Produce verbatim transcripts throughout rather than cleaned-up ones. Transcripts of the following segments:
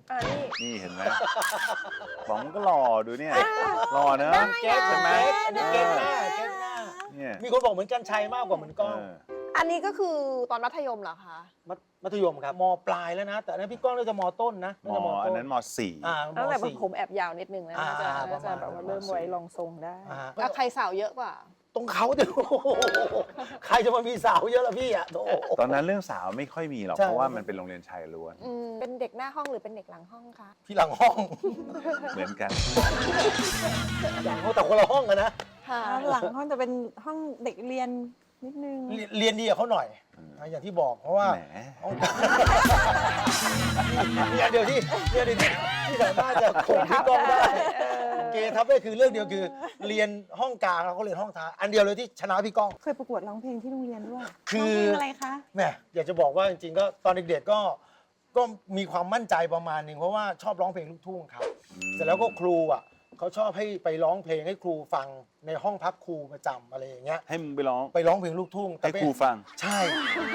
อ่านี่นี่เห็นไหมป๋องก็หล่อดูเนี่ยหล่อเนอะเก๊กใช่ไหมอันนี้เก๊กหน้าเก๊กหน้าเนี่ยมีคนบอกเหมือนกันชัยมากกว่าเหมือนกล้องเอออันนี้ก็คือตอนมัธยมเหรอคะมัธมัธยมครับมปลายแล้วนะ แต่อันนั้นพี่ก้องน่าจะมต้นนะมน่าจะมอัต้นนนั้นมสี่อ่าตั้งแต่สี่ผมแอบยาวนิดนึงนะน่าจะอ่าน่าจะแบบว่าเริ่มไว้รองทรงได้อ่าอ่ะใครสาวเยอะกว่าตรงเขาเดี๋ยวใครจะมามีสาวเยอะล่ะพี่อ่ะโอ้โหตอนนั้นเรื่องสาวไม่ค่อยมีหรอกใช่เพราะว่ามันเป็นโรงเรียนชายล้วนอืมเป็นเด็กหน้าห้องหรือเป็นเด็กหลังห้องคะพี่หลังห้องเหมือนกันหลังห้องแต่คนละห้องกันนะค่ะหลังห้องจะเป็นห้องเด็กเรียนนิดนึงเรียนเรียนดีกับเขาหน่อยอืมนะอย่างที่บอกเพราะว่าแหมห้องเรียนเดียวที่เรียนเดียวที่ที่สามารถจะข่มพี่ก้องได้ เกทับได้คือเรื่องเดียวคือ เรียนห้องกลางแล้วก็เรียนห้องท้ายอันเดียวเลยที่ชนะพี่ก้องเคยประกวดร้องเพลงที่โรงเรียนด้วยคือร้องเพลงอะไรคะแหมอยากจะบอกว่าจริงๆก็ตอนเด็กๆก็ก็มีความมั่นใจประมาณหนึ่งเพราะว่าชอบร้องเพลงลูกทุ่งครับ เสร็จแล้วก็ครูอ่ะเขาชอบให้ไปร้องเพลงให้ครูฟังในห้องพักครูประจำอะไรอย่างเงี้ยให้มึงไปร้องไปร้องเพลงลูกทุ่งให้ไม่ครูฟังใช่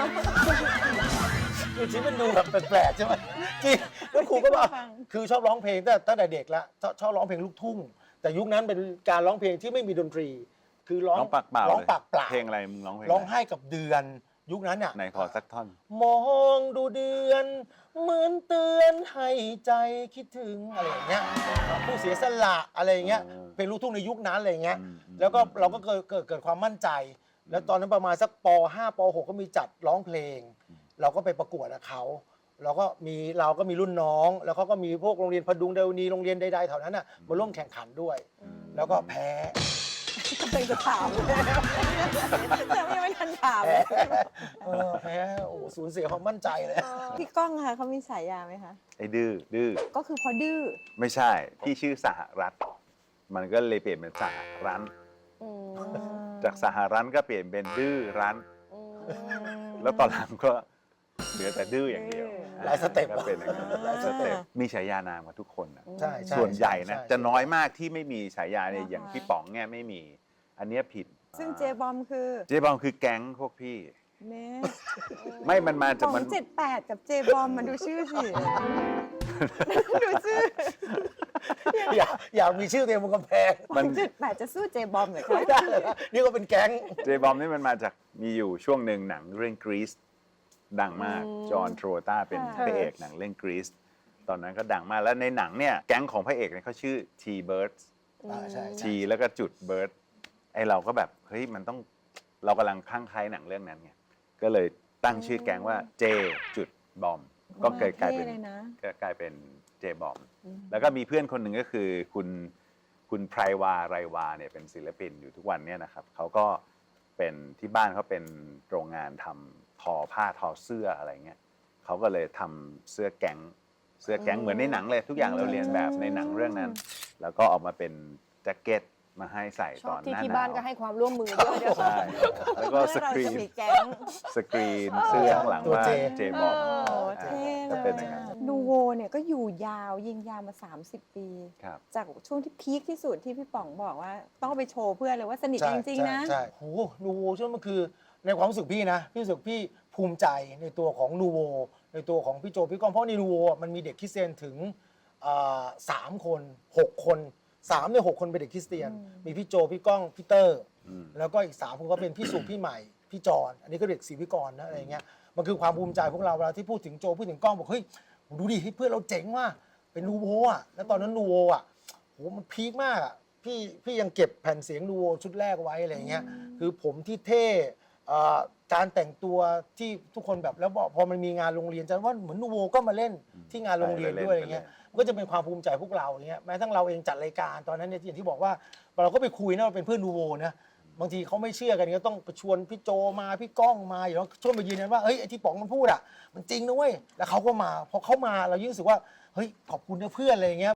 คือที่มันดูแบบแปลกๆใช่ไหมจริงแล้วครูก็บอกคือชอบร้องเพลงตั้งแต่ตั้งแต่เด็กแล้วชอบชอบร้องเพลงลูกทุ่ง แต่ยุคนั้นเป็นการร้องเพลงที่ไม่มีดนตรี คือร้องร้องปากเปล่าร้องเลยปากเปล่าเพลงอะไรมึงร้องเพลงร้องอะไรไห้กับเดือนยุคนั้นอ่ะไหนขอสักท่อนมองดูเดือน เหมือนเตือนให้ใจคิดถึงอะไรอย่างเงี้ยผู้เสียสละอะไรอย่างเงี้ยอ๋อเป็นลูกทุ่งในยุคนั้นอะไรอย่างเงี้ยอืมอืมแล้วก็เราก็เกิดเกิดเกิดความมั่นใจ แล้วตอนนั้นประมาณสักป ห้า ป หก ก็มีจัดร้องเพลง เราก็ไปประกวดกับเขาเราก็มีเราก็มีรุ่นน้อง แล้วเขาก็มีพวกโรงเรียนพดุงเดวนีโรงเรียนใดๆแถวนั้นน่ะมาร่วมแข่งขันด้วย แล้วก็แพ้เพลงจะถามแต่ไม่ไม่ทันถามแพ้เออแพ้โอ้โหสูญเสียความมั่นใจเลยพี่ก้องค่ะเขามีฉายาไหมคะไอ้ดื้อดื้อก็คือพอดื้อไม่ใช่พี่ชื่อสหรัฐ มันก็เลยเปลี่ยนเป็นสหรันอืมจากสหรันก็เปลี่ยนเป็นดื้อรันอืมแล้วตอนหลังก็เหลือแต่ดื้ออย่างเดียวหลายสเต็ปก็เป็นอย่างนั้นหลายสเต็ปมีฉายานามกับทุกคนนะใช่ช่ส่วนใหญ่นะช่จะน้อยมากที่ไม่มีฉายาเนี่ยอย่างพี่ป๋องเนี่ยไม่มี อันเนี้ยผิดซึ่งเจบอมคือเจบอมคือแก๊งพวกพี่แม่ไม่มันมาขจากองมันเจ็ดแปดกับเจบอมมันดูชื่อสิ ดูชื่ออยากอยากมีชื่อตัวเองบนกำแพงมันเจ็ดแปดจะสู้เจบอมเหรอคะไม่ได้เลยนะนี่ก็เป็นแก๊งเจบอมนี่มันมาจากมีอยู่ช่วงหนึ่งหนังเรื่องกรีซดังมากจอห์นโทรตาเป็นพระเอกหนังเรื่องกรีซตอนนั้นก็ดังมากแล้วในหนังเนี่ยแก๊งของพระเอกเนี่ยเขาชื่อ T-Birds อ่าใช่ T แล้วก็จุด Bird ไอเราก็แบบเฮ้ยมันต้องเรากำลังคลั่งไคล้หนังเรื่องนั้นไงก็เลยตั้งชื่อแก๊งว่า J จุดบอมก็เกิดกลายเป็นท่เลยนะก็กลายเป็นเจบอมแล้วก็มีเพื่อนคนหนึ่งก็คือคุณคุณไพรวาไรวาเนี่ยเป็นศิลปินอยู่ทุกวันเนี่ยนะครับเขาก็เป็นที่บ้านเขาเป็นโรงงานทำทอผ้าทอเสื้ออะไรเงี้ยเขาก็เลยทำเสื้อแก๊งเสื้อแก๊งเหมือนในหนังเลยทุกอย่างเราเรียนแบบในหนังเรื่องนั้น แล้วก็ออกมาเป็นแจ็คเก็ตมาให้ใส่ชตออบ นที่หน้าที่หนาบ้านวก็ให้ความร่วมมือด้วยเดี๋ยวใช่แล้วก็สกรีเรานจะมีแก๊งสกรีนเสื้อข้างหลังตัวว่าเจเจบอมโอ้เท่เลก็เป็นยอย่างนั้นนูโวเนี่ยก็อยู่ยาวยิงยาวมา สามสิบ ปีครับจากช่วงที่พีคที่สุดที่พี่ป๋องบอกว่า ต้องเอาไปโชว์เพื่อนเลยว่าสนิทกันจริงๆนะใช่ใช่โหนูโวช่วงมันคือในความรู้สึกพี่นะ พี่รู้สึกพี่ภูมิใจในตัวของนูโวในตัวของพี่โจพี่ก้องเพราะในนูโวมันมีเด็กคริสเตียนถึงอ่าสามคนหกคนสามในหกคนเป็นเด็กคริสเตียน มีพี่โจพี่ก้องพี่เตอร์อืมแล้วก็อีกสามคนก็เป็นพี่สุพี่ใหม่พี่จอนอันนี้ก็เด็กศรีวิกรนะอะไรเงี้ยมันคือความภูมิใจพวกเราเวลาที่พูดถึงโจพูดถึงก้องบอกเฮ้ยดูดิเพื่อนเราเจ๋งว่ะเป็นนูโวอ่ะแล้วตอนนั้นนูโวอ่ะโหมันพีคมากอ่ะพี่พี่ยังเก็บแผ่นเสียงนูโวชุดแรกไว้อะไรเงี้ยคือผมที่เท่เอ่อการแต่งตัวที่ทุกคนแบบแล้วพอมันมีงานโรงเรียนจะว่าเหมือนนูโวก็มาเล่นที่งานโรงเรียนด้วยอะไรเงี้ยมันก็จะเป็นความภูมิใจพวกเราอย่างเงี้ยแม้ทั้งเราเองจัดรายการตอนนั้นเนี่ยอย่างที่บอกว่าเราก็ไปคุยนะเราเป็นเพื่อนนูโวนะบางทีเขาไม่เชื่อกันก็ต้องไปชวนพี่โจมาพี่ก้องมาอย่างเราช่วยมายืนยันว่าเฮ้ยไอ้ที่ป๋องมันพูดอ่ะมันจริงนะเว้ยแล้วเขาก็มาพอเขามาเรายิ่งรู้สึกว่าเฮ้ยขอบคุณนะเพื่อนอะไรเงี้ย